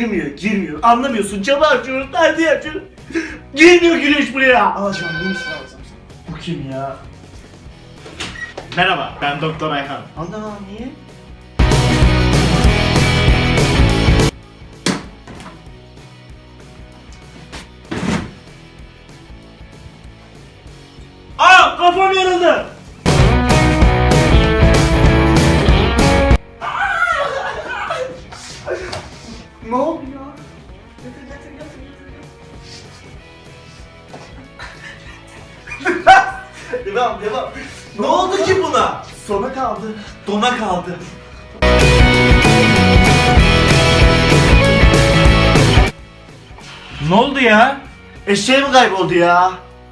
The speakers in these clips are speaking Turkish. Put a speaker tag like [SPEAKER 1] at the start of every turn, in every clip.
[SPEAKER 1] girmiyor. Anlamıyorsun. Camı açıyoruz, nerede açıyoruz? Girmiyor güneş buraya.
[SPEAKER 2] Alacağım, yenisini alacağım sana.
[SPEAKER 1] Bu kim ya? Merhaba, ben Doktor Ayhan.
[SPEAKER 2] Ana niye?
[SPEAKER 1] Aa, kafam yarıldı.
[SPEAKER 2] Ne oldu ya?
[SPEAKER 1] Devam. Ne oldu ki buna?
[SPEAKER 2] Sona kaldı.
[SPEAKER 1] Dona kaldı.
[SPEAKER 3] Ne oldu ya?
[SPEAKER 1] Eşeği mi kayboldu ya?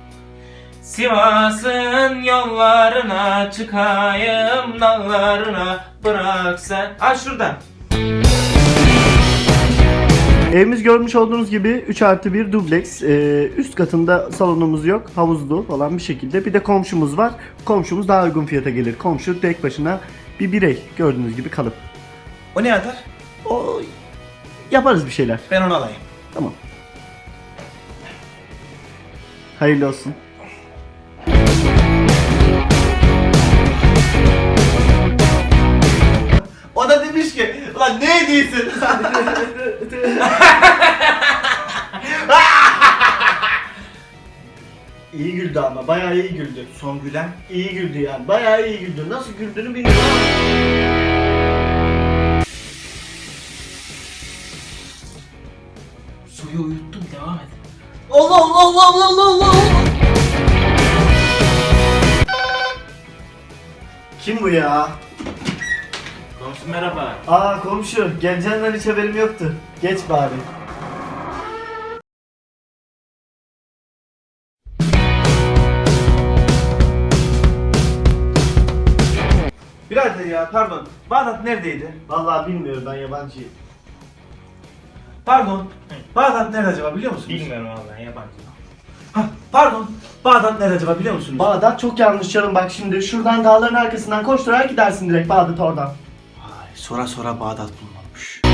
[SPEAKER 3] Sivas'ın yollarına çıkayım dağlarına bırak sen. Ha şuradan.
[SPEAKER 1] Evimiz görmüş olduğunuz gibi 3+1 dubleks. Üst katında salonumuz yok. Havuzlu falan bir şekilde. Bir de komşumuz var. Komşumuz daha uygun fiyata gelir. Komşu tek başına bir birey. Gördüğünüz gibi kalıp.
[SPEAKER 3] O ne atar?
[SPEAKER 1] O yaparız bir şeyler.
[SPEAKER 3] Ben onu alayım.
[SPEAKER 1] Tamam. Hayırlı olsun.
[SPEAKER 2] O da demiş ki, lan ne hediyesin?
[SPEAKER 1] İyi güldü ama bayağı iyi güldü.
[SPEAKER 2] Son gülen.
[SPEAKER 1] İyi güldü yani. Bayağı iyi güldü. Nasıl güldüğünü bilmiyorum.
[SPEAKER 3] Suyu uyuttum, devam et.
[SPEAKER 2] Allah.
[SPEAKER 1] Kim bu ya?
[SPEAKER 3] Komşu merhaba.
[SPEAKER 1] Aa komşu. Geleceğinden hiç haberim yoktu. Geç bari.
[SPEAKER 2] Birader ya pardon. Bağdat neredeydi?
[SPEAKER 1] Vallahi bilmiyorum, ben yabancıyım.
[SPEAKER 2] Pardon. Bağdat nerede acaba biliyor musunuz?
[SPEAKER 3] Bilmiyorum vallahi, yabancı.
[SPEAKER 2] Ha, pardon. Bağdat nerede acaba biliyor musunuz?
[SPEAKER 1] Bağdat çok yanlış canım, bak şimdi şuradan dağların arkasından koşturarak gidersin direkt Bağdat oradan.
[SPEAKER 2] Vay, sonra Bağdat bulunmuş.